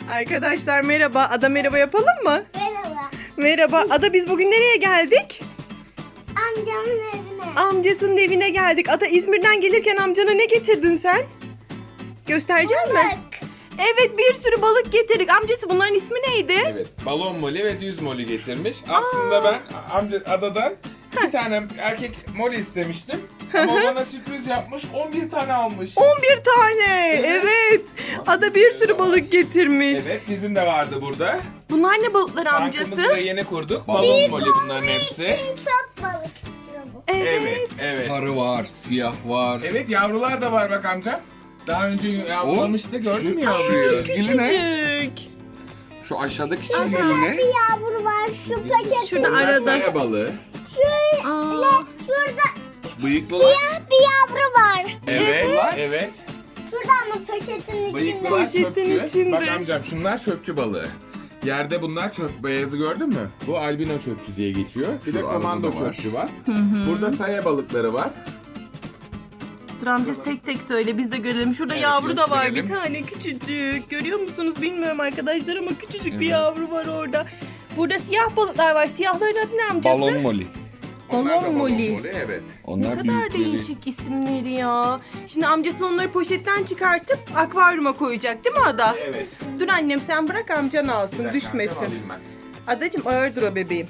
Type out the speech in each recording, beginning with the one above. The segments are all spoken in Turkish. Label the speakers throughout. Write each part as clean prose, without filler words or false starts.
Speaker 1: Arkadaşlar merhaba. Ada merhaba yapalım mı?
Speaker 2: Merhaba.
Speaker 1: Merhaba. Ada biz bugün nereye geldik?
Speaker 2: Amcamın evine.
Speaker 1: Amcasının evine geldik. Ada İzmir'den gelirken amcana ne getirdin sen? Gösterecek misin?
Speaker 2: Balık.
Speaker 1: Evet, bir sürü balık getirdik. Amcası bunların ismi neydi?
Speaker 3: Evet, balon moli ve düz moli getirmiş. Aslında ben adadan 2 tane erkek moli istemiştim. Ama bana sürpriz yapmış, 11 tane almış.
Speaker 1: 11 tane. Evet. Ada bir sürü balık getirmiş.
Speaker 3: Evet, bizim de vardı burada.
Speaker 1: Bunlar ne balıkları
Speaker 3: Tankımızı da
Speaker 1: amcası?
Speaker 3: yeni kurduk. Balon moli bunların hepsi.
Speaker 2: Çok balık istiyor bu.
Speaker 1: Evet.
Speaker 3: Evet.
Speaker 4: Sarı var, siyah var.
Speaker 3: Evet, yavrular da var bak amca. Daha önce yavrulamıştı, gördün mü yavruyu?
Speaker 4: Çizgili ne?
Speaker 1: Küçücük.
Speaker 4: Şu aşağıdaki çizgili ne?
Speaker 2: Bir yavru var şu paket.
Speaker 1: Şurada
Speaker 3: Bunlar
Speaker 1: arada.
Speaker 3: saya balığı.
Speaker 1: Aa,
Speaker 2: Şurada
Speaker 3: Bıyıklılar.
Speaker 2: siyah bir yavru var.
Speaker 3: Evet, evet.
Speaker 2: Şurada ama poşetin içinde.
Speaker 3: Bıyıklılar
Speaker 1: Poşetin
Speaker 3: çöpçü.
Speaker 1: içinde.
Speaker 3: Bak amcam şunlar çöpçü balığı. Yerde bunlar çöp beyazı gördün mü? Bu albino çöpçü diye geçiyor. Bir
Speaker 4: Şu
Speaker 3: de komando
Speaker 4: arada da var.
Speaker 3: çöpçü var. Burada saya balıkları var.
Speaker 1: dur amcası tek tek söyle biz de görelim. Şurada
Speaker 3: Evet,
Speaker 1: yavru da var bir
Speaker 3: gösterelim.
Speaker 1: tane küçücük. Görüyor musunuz bilmiyorum arkadaşlar ama küçücük bir
Speaker 4: Evet.
Speaker 1: yavru var orada. Burada siyah balıklar var. Siyahların adı ne amcası?
Speaker 4: Balon moli.
Speaker 3: Onlar da
Speaker 1: Balon moli.
Speaker 3: evet.
Speaker 1: Ne
Speaker 4: Onlar
Speaker 1: kadar
Speaker 4: büyükleri.
Speaker 1: değişik isimleri ya. Şimdi amcası onları poşetten çıkartıp akvaryuma koyacak değil mi Ada?
Speaker 3: Evet.
Speaker 1: Dur annem sen bırak amcan alsın
Speaker 3: Bir dakika,
Speaker 1: düşmesin.
Speaker 3: amcam alayım ben.
Speaker 1: Adacığım ağırdır o bebeğim.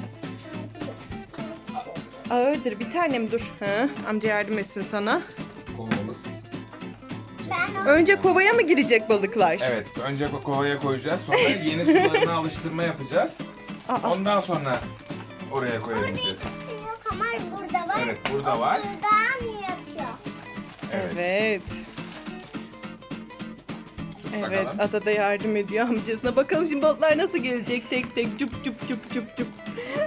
Speaker 1: Ağırdır bir tanem dur. Ha, amca yardım etsin sana.
Speaker 3: Kovamız.
Speaker 2: Ben o
Speaker 1: Önce kovaya mı girecek balıklar?
Speaker 3: Evet, önce kovaya koyacağız. Sonra yeni sularına alıştırma yapacağız.
Speaker 1: Aa,
Speaker 3: Ondan sonra oraya koyabileceğiz.
Speaker 2: yok ama burada var.
Speaker 3: Evet, burada var.
Speaker 2: Buradan yapıyor.
Speaker 3: Evet.
Speaker 1: evet.
Speaker 3: Tut
Speaker 1: Evet,
Speaker 3: bakalım.
Speaker 1: Ada da yardım ediyor amcasına. Bakalım şimdi balıklar nasıl gelecek tek tek cup cup cup cup cup.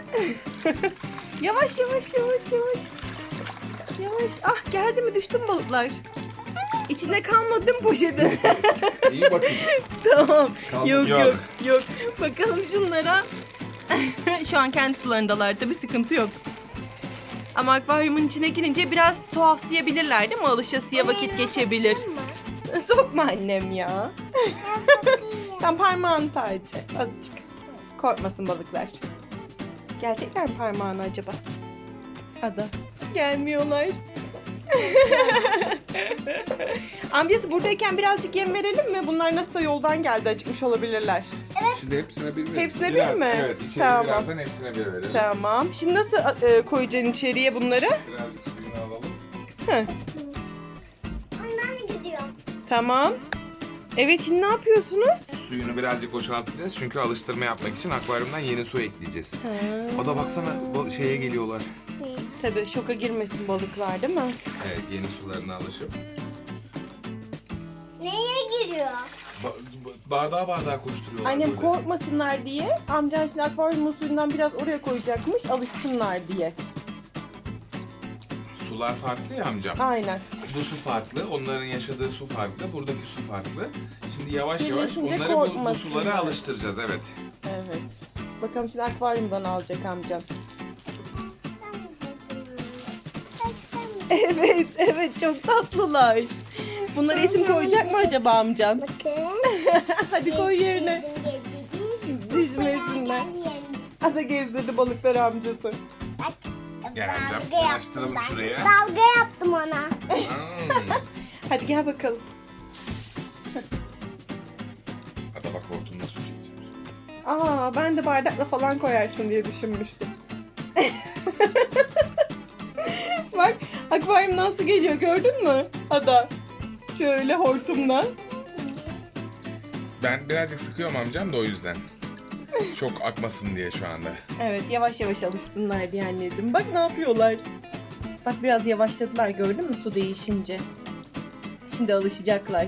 Speaker 1: Yavaş yavaş yavaş yavaş. Yavaş. Ah geldi mi düştü mü balıklar? İçinde kalmadı değil mi poşeti?
Speaker 4: İyi bakın.
Speaker 1: Tamam.
Speaker 4: Kaldı.
Speaker 1: Yok yok
Speaker 3: Yok.
Speaker 1: yok. Bakalım şunlara. Şu an kendi sularındalar tabii sıkıntı yok. Ama akvaryumun içine girince biraz tuhafsayabilirler değil mi? Alışasıya vakit geçebilir. Sokma annem ya. Sen parmağını sadece azıcık. Korkmasın balıklar. Gelecekler mi parmağına acaba? Ada. Gelmiyorlar. Amcası buradayken birazcık yem verelim mi? Bunlar nasılsa yoldan geldi acıkmış olabilirler.
Speaker 4: Şimdi hepsine bir verin.
Speaker 1: Hepsine bir
Speaker 3: Biraz,
Speaker 1: mi?
Speaker 3: Evet, içeri
Speaker 1: Tamam.
Speaker 3: birazdan hepsine bir verelim.
Speaker 1: Tamam. Şimdi nasıl koyacaksın içeriye bunları?
Speaker 3: Birazcık suyunu alalım.
Speaker 1: Hı.
Speaker 2: Ondan gidiyor.
Speaker 1: Tamam. Evet şimdi ne yapıyorsunuz?
Speaker 3: Suyunu birazcık boşaltacağız çünkü alıştırma yapmak için akvaryumdan yeni su ekleyeceğiz. O da baksana şeye geliyorlar.
Speaker 1: Tabii şoka girmesin balıklar değil mi?
Speaker 3: Evet, yeni sularına alışıp.
Speaker 2: Neye giriyor?
Speaker 3: Bardağa koşturuyorlar.
Speaker 1: Annem
Speaker 3: böyle.
Speaker 1: korkmasınlar diye amcan şimdi akvaryumun suyundan biraz oraya koyacakmış alışsınlar diye.
Speaker 3: Sular farklı ya amcam.
Speaker 1: Aynen.
Speaker 3: Bu su farklı, onların yaşadığı su farklı, buradaki su farklı. Şimdi yavaş yavaş
Speaker 1: Birleşince
Speaker 3: onları bu
Speaker 1: korkmasınlar.
Speaker 3: sulara alıştıracağız, evet.
Speaker 1: Evet. Bakalım şimdi akvaryumdan alacak amcan. Evet, evet çok tatlılar. Bunlara isim koyacak mı acaba amcan?
Speaker 2: Bakın.
Speaker 1: Hadi koy yerine. Düşmesinler. Ada gezdirdi balıkları amcası.
Speaker 3: Gel amcam,
Speaker 2: Dalga yaptım
Speaker 3: açtıralım
Speaker 2: ben.
Speaker 3: şuraya.
Speaker 2: Dalga yaptım ona.
Speaker 1: Hadi gel bakalım.
Speaker 3: Hadi bak hortumla su çekeceğim.
Speaker 1: Aa, ben de bardakla falan koyarsın diye düşünmüştüm. Bak, akvaryumdan su geliyor gördün mü? Ada. Şöyle hortumla.
Speaker 3: Ben birazcık sıkıyorum amcam da o yüzden. Çok akmasın diye şu anda.
Speaker 1: Evet, yavaş yavaş alışsınlar diye anneciğim. Bak ne yapıyorlar. Bak biraz yavaşladılar gördün mü su değişince. Şimdi alışacaklar.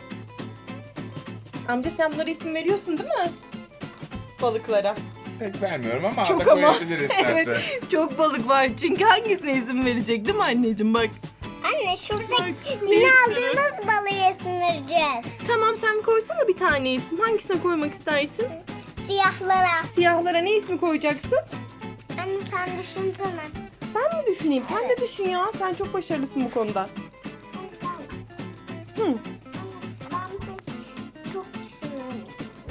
Speaker 1: Amca sen bunlara isim veriyorsun değil mi? Balıklara.
Speaker 3: Pek vermiyorum ama
Speaker 1: Çok
Speaker 3: arada
Speaker 1: ama.
Speaker 3: koyabilir isterse.
Speaker 1: Evet, çok balık var çünkü hangisine izin verecek değil mi anneciğim bak.
Speaker 2: Anne şurada
Speaker 1: Bak,
Speaker 2: yine
Speaker 1: bir sürü.
Speaker 2: aldığımız balığı isim vereceğiz.
Speaker 1: Tamam sen koysana bir tane isim. Hangisine koymak istersin?
Speaker 2: Siyahlara.
Speaker 1: Siyahlara ne ismi koyacaksın?
Speaker 2: Anne sen düşünsene.
Speaker 1: Ben mi düşüneyim? Sen de düşün ya. Sen çok başarılısın bu konuda. Hı.
Speaker 2: Ben çok düşünüyorum.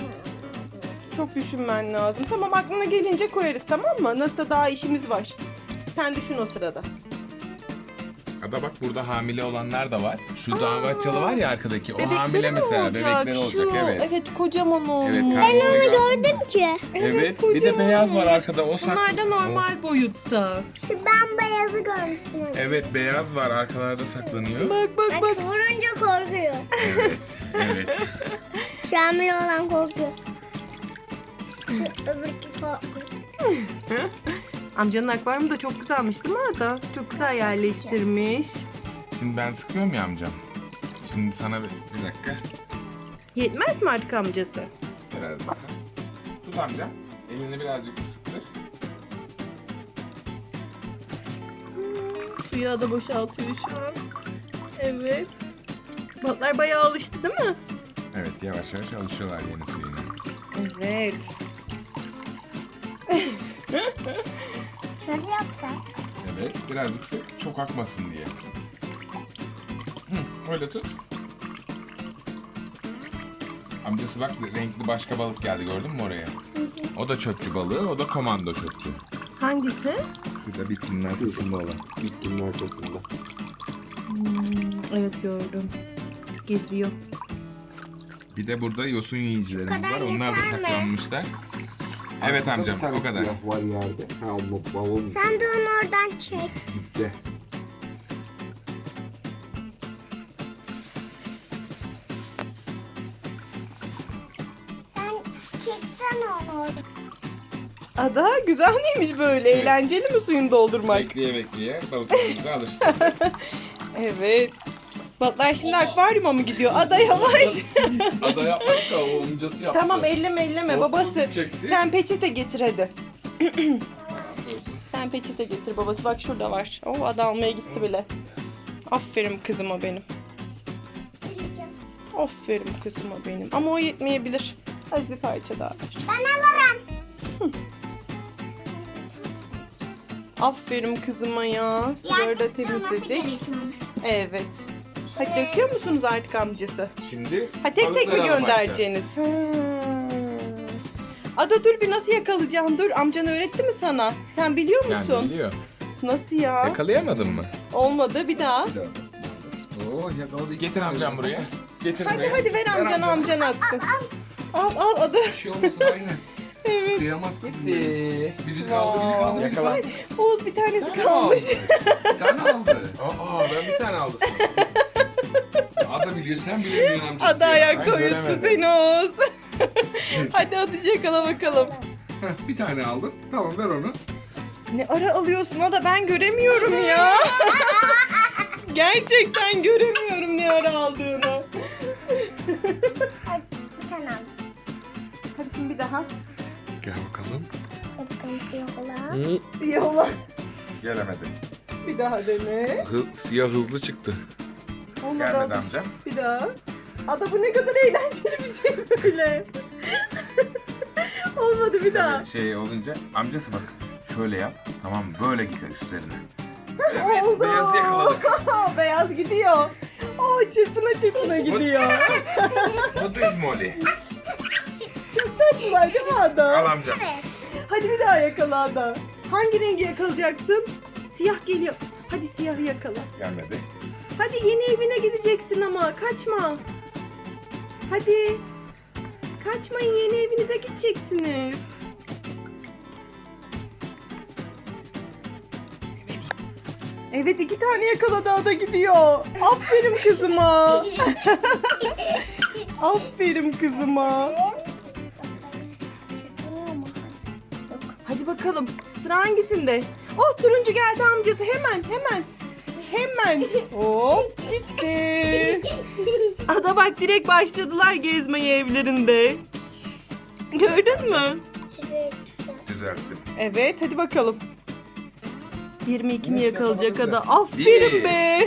Speaker 1: Çok düşünmen lazım. Tamam, aklına gelince koyarız, tamam mı? Nasıl, daha işimiz var. Sen düşün o sırada.
Speaker 3: Ada bak, burada hamile olanlar da var. Şu damatçalı var ya arkadaki. O
Speaker 1: Bebekleri
Speaker 3: hamile
Speaker 1: mi
Speaker 3: mesela.
Speaker 1: olacak?
Speaker 3: Bebekleri olacak,
Speaker 1: Şu,
Speaker 3: evet.
Speaker 1: Evet, kocaman olmuş.
Speaker 3: Evet, karnını
Speaker 2: Gördüm ki.
Speaker 3: Evet. Bir de
Speaker 1: kocaman
Speaker 3: beyaz var
Speaker 1: olmuş.
Speaker 3: arkada. O saklı.
Speaker 1: Bunlar da normal boyutta.
Speaker 2: Şu ben beyazı görmüştüm.
Speaker 3: Evet, beyaz var. Arkalarda saklanıyor.
Speaker 1: Bak bak bak.
Speaker 2: Bak vurunca korkuyor.
Speaker 3: Evet. Evet.
Speaker 2: Şu hamile olan korkuyor. Şu öbürkü korkuyor.
Speaker 1: Amcanın akvaryumu da çok güzelmiş değil mi Ada? Çok güzel yerleştirmiş.
Speaker 3: Şimdi ben sıkıyorum ya amcam. Şimdi sana bir dakika.
Speaker 1: Yetmez mi artık amcası?
Speaker 3: Biraz daha. Tut amcam. Elini birazcık sıktır.
Speaker 1: Suyu Ada boşaltıyor şu an. Evet. Balıklar bayağı alıştı değil mi?
Speaker 3: Evet, yavaş yavaş alışıyorlar yeni suyuna.
Speaker 1: Evet.
Speaker 2: Şöyle yapsak.
Speaker 3: Evet, birazcık sık, çok akmasın diye. Öyle tut. Amcası bak, renkli başka balık geldi, gördün mü oraya? O da çöpçü balığı, o da komando çöpçü.
Speaker 1: Hangisi?
Speaker 3: Şurada bitkinin arkasında olan.
Speaker 4: Bitkinin ortasında.
Speaker 1: Evet, gördüm. Geziyor.
Speaker 3: Bir de burada yosun yiyicilerimiz
Speaker 2: kadar
Speaker 3: var, onlar da
Speaker 2: yeter mi?
Speaker 3: saklanmışlar. Evet amcam,
Speaker 4: Bir tane
Speaker 3: o kadar.
Speaker 4: siyah var yerde. Ha, o balon
Speaker 2: Sen de onu oradan çek.
Speaker 4: gitti.
Speaker 2: Sen çeksene onu oradan.
Speaker 1: Ada, güzel miymiş böyle?
Speaker 3: Evet.
Speaker 1: Eğlenceli mi suyunu doldurmak?
Speaker 3: Bekleye bekleye balıklarımızı alıştırdık.
Speaker 1: Evet. Balıklar şimdi akvaryuma mı gidiyor? Ada yavaş.
Speaker 4: Ada yapmadı da o amcası yaptı.
Speaker 1: Tamam, elleme
Speaker 4: O
Speaker 1: babası.
Speaker 4: çekti.
Speaker 1: Sen peçete getir hadi.
Speaker 3: Tamam, dursun.
Speaker 1: Sen peçete getir babası. Bak şurada var. Oh, Ada almaya gitti bile. Aferin kızıma benim. Aferin kızıma benim. Ama o yetmeyebilir. Az bir parça daha ver.
Speaker 2: Ben alırım.
Speaker 1: Aferin kızıma ya. Suları da temizledik. Evet. Hadi döküyor musunuz artık amcası?
Speaker 3: Şimdi
Speaker 1: Ha, tek tek mi
Speaker 3: balıklara bakacağız.
Speaker 1: göndereceğiniz? Ha. Ada dur, bir nasıl yakalayacaksın? Dur, amcan öğretti mi sana? Sen biliyor musun?
Speaker 3: Yani biliyor.
Speaker 1: Nasıl ya?
Speaker 3: Yakalayamadın mı?
Speaker 1: Olmadı, bir daha.
Speaker 4: Oo, yakaladı.
Speaker 3: Getir amcam buraya. Getir
Speaker 1: Hadi
Speaker 3: buraya.
Speaker 1: hadi ver amcana, amcan atsın. Al Ada.
Speaker 4: Bir şey olmasın aynen.
Speaker 1: Evet.
Speaker 4: Kıyamaz kızım.
Speaker 3: Gitti.
Speaker 4: Biri kaldı, biri kaldı, biri
Speaker 3: Yakala.
Speaker 4: kaldı.
Speaker 1: Oğuz bir tanesi
Speaker 4: Bir tane
Speaker 1: kalmış.
Speaker 4: aldı. Bir tane aldı. Aa, ben bir tane aldım. Ada biliyor, sen bilemiyorsun amcası.
Speaker 1: Ada
Speaker 4: ya.
Speaker 1: ayakta
Speaker 3: Ben
Speaker 1: uyuttu
Speaker 3: göremedim.
Speaker 1: seni Oğuz. Hadi hadi yakala bakalım.
Speaker 4: Heh, bir tane aldın. Tamam, ver onu.
Speaker 1: Ne ara alıyorsun Ada, ben göremiyorum ya. Gerçekten göremiyorum ne ara aldığını.
Speaker 2: Hadi bir tane al.
Speaker 1: Hadi şimdi bir daha.
Speaker 4: Gel bakalım.
Speaker 2: Bakalım siyah olan.
Speaker 1: Siyah olan.
Speaker 3: Gelemedi.
Speaker 1: Bir daha dene.
Speaker 4: Siyah hızlı çıktı.
Speaker 1: Olmadı.
Speaker 3: Gelmedi amcam.
Speaker 1: Bir daha. Ada, bu ne kadar eğlenceli bir şey böyle. Olmadı, bir daha.
Speaker 3: Şey olunca amcası bak şöyle yap. Tamam mı? Böyle gider üstlerine.
Speaker 1: Oldu.
Speaker 3: beyazı yakaladık.
Speaker 1: Beyaz gidiyor. Oo, çırpına çırpına gidiyor.
Speaker 3: Bu düz moli.
Speaker 1: Çok tatlılar değil mi Ada?
Speaker 3: Al amcam.
Speaker 1: Hadi bir daha yakala Ada. Hangi rengi yakalayacaksın? Siyah geliyor. Hadi siyahı yakala.
Speaker 3: Gelmedi.
Speaker 1: Hadi yeni evine gideceksin ama kaçma. Hadi. Kaçmayın, yeni evinize gideceksiniz. Evet, 2 tane yakaladı, Ada gidiyor. Aferin kızıma. Aferin kızıma. Hadi bakalım. Sıra hangisinde? Oh, turuncu geldi amcası. Hemen. Hop, gitti. Ada bak, direkt başladılar gezmeye evlerinde. Gördün mü?
Speaker 3: Düzelttim.
Speaker 1: Evet, hadi bakalım. 22'ni yakalayacak
Speaker 4: yakaladı.
Speaker 1: Ada. Aferin
Speaker 3: Bir.
Speaker 1: be.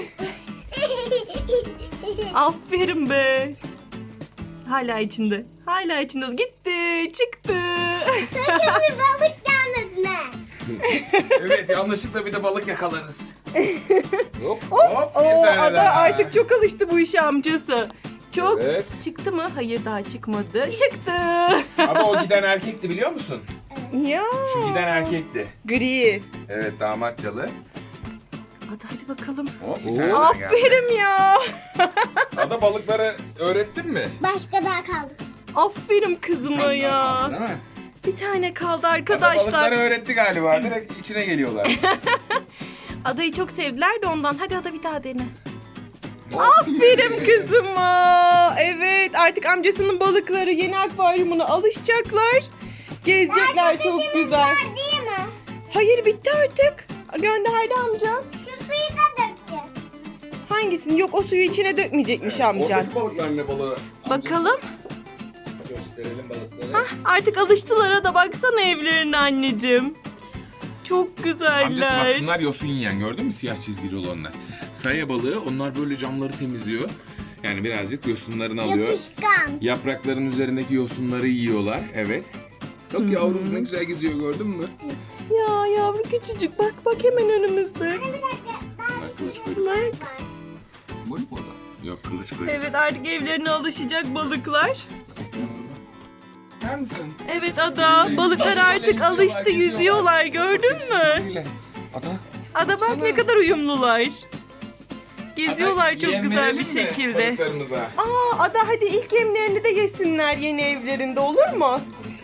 Speaker 1: Aferin be. Hala içinde. Gitti, çıktı.
Speaker 2: Bir balık gelmedi ne?
Speaker 4: Evet, yanlışlıkla bir de balık yakalarız.
Speaker 3: Hop bir
Speaker 1: Oo,
Speaker 3: tane
Speaker 1: Ada
Speaker 3: daha.
Speaker 1: artık çok alıştı bu işe amcası. Çok.
Speaker 3: Evet.
Speaker 1: Çıktı mı? Hayır daha çıkmadı. Çıktı.
Speaker 3: Ama o giden erkekti biliyor musun?
Speaker 1: Ya.
Speaker 3: Şu giden erkekti.
Speaker 1: Gri.
Speaker 3: Evet damatçalı.
Speaker 1: Hadi bakalım.
Speaker 3: Hop, bir
Speaker 4: Oo.
Speaker 3: tane daha geldi.
Speaker 1: Aferin ya.
Speaker 3: Ada balıkları öğrettin mi?
Speaker 2: Başka daha kaldı.
Speaker 1: Aferin kızıma ya.
Speaker 3: Değil mi?
Speaker 1: Bir tane kaldı
Speaker 3: Ada
Speaker 1: arkadaşlar.
Speaker 3: balıkları öğretti galiba. Direkt içine geliyorlar.
Speaker 1: Adayı çok sevdiler de ondan. Hadi Ada bir daha dene. Aferin kızıma. Evet artık amcasının balıkları yeni akvaryumuna alışacaklar. Gezecekler çok güzel.
Speaker 2: Var değil mi?
Speaker 1: Hayır bitti artık. Gönderdi amca.
Speaker 2: Şu suyu da dökeceğiz.
Speaker 1: Hangisini? Yok o suyu içine dökmeyecekmiş amcan.
Speaker 4: Oradaki balıklar ne balığı?
Speaker 1: Bakalım.
Speaker 3: Gösterelim balıkları.
Speaker 1: Hah, artık alıştılar da baksana evlerine anneciğim. Çok
Speaker 3: Amcası bak
Speaker 1: güzeller.
Speaker 3: şunlar yosun yiyen gördün mü siyah çizgili olanlar. Saya balığı onlar böyle camları temizliyor. Yani birazcık yosunlarını alıyor.
Speaker 2: Yapışkan.
Speaker 3: Yaprakların üzerindeki yosunları yiyorlar. Evet. Çok yavrum ne güzel geziyor gördün mü?
Speaker 1: Ya yavru küçücük bak hemen önümüzde.
Speaker 3: Bak kılıç kuyruk.
Speaker 1: Bak.
Speaker 4: Bu mu orada?
Speaker 3: Yok kılıç kuyruk.
Speaker 1: Evet artık evlerine alışacak balıklar.
Speaker 3: Bakar mısın?
Speaker 1: Evet Ada balıklar artık alıştı yüzüyorlar gördün mü?
Speaker 3: Ada.
Speaker 1: Ada bak ne kadar uyumlular. Geziyorlar çok güzel bir şekilde.
Speaker 3: Balıklarımıza.
Speaker 1: Aa Ada hadi ilk yemlerini de yesinler yeni evlerinde olur mu?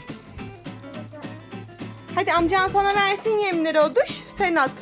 Speaker 1: Hadi amcan sana versin yemleri Oduş. Sen at.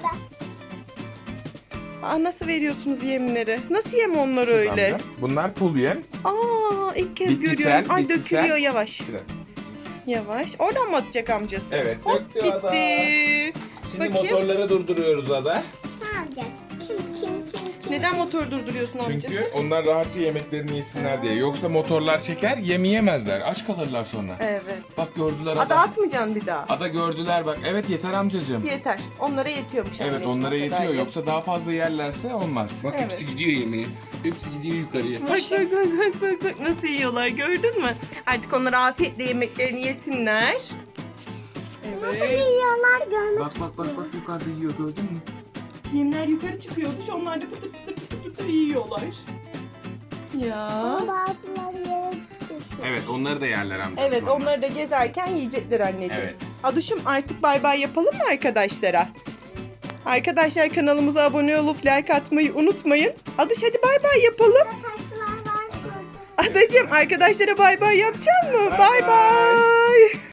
Speaker 1: Aa, nasıl veriyorsunuz yemleri? Nasıl yem onlar öyle?
Speaker 3: Bunlar pul yem.
Speaker 1: Aa ilk kez
Speaker 3: Bitkisel,
Speaker 1: görüyorum. Ay
Speaker 3: bitkisel.
Speaker 1: dökülüyor yavaş. Yavaş. Oradan mı atacak amcası?
Speaker 3: Evet,
Speaker 1: Hop
Speaker 3: döktü Ada.
Speaker 1: gitti.
Speaker 3: Şimdi
Speaker 1: Bakayım.
Speaker 3: motorları durduruyoruz Ada.
Speaker 2: Ne olacak? Kim?
Speaker 1: Neden motor durduruyorsun amcası?
Speaker 3: Çünkü onlar rahatça yemeklerini yesinler diye. Yoksa motorlar çeker yemeyemezler. Aç kalırlar sonra.
Speaker 1: Evet.
Speaker 3: Bak gördüler
Speaker 1: Ada
Speaker 3: Ada.
Speaker 1: atmayacaksın bir daha.
Speaker 3: Ada gördüler bak. Evet yeter amcacığım.
Speaker 1: Yeter. Onlara yetiyormuş
Speaker 3: Evet
Speaker 1: anneciğim,
Speaker 3: onlara
Speaker 1: o kadar
Speaker 3: yetiyor.
Speaker 1: yem.
Speaker 3: Yoksa daha fazla yerlerse olmaz.
Speaker 4: Bak
Speaker 1: Evet.
Speaker 4: hepsi gidiyor yemeğe. Hepsi gidiyor yukarıya.
Speaker 1: Bak nasıl yiyorlar gördün mü? Artık onlar afiyetle yemeklerini yesinler.
Speaker 2: Nasıl
Speaker 1: Evet.
Speaker 2: yiyorlar görmek
Speaker 4: Bak yukarıda yiyor gördün mü?
Speaker 1: Yemler yukarı çıkıyordu. Onlar da pıtır pıtır yiyorlar. Ya.
Speaker 2: Bazıları yere düşüyor.
Speaker 3: Evet onları da yerler amca.
Speaker 1: Evet onları da gezerken yiyecekler anneciğim.
Speaker 3: Evet.
Speaker 1: Aduşum artık bay bay yapalım mı arkadaşlara? Arkadaşlar kanalımıza abone olup like atmayı unutmayın. Aduş hadi bay bay yapalım.
Speaker 2: Taşlar var.
Speaker 1: Adacığım arkadaşlara bay bay yapacak mı?
Speaker 3: Bay
Speaker 1: Bay
Speaker 3: bay.
Speaker 1: bay.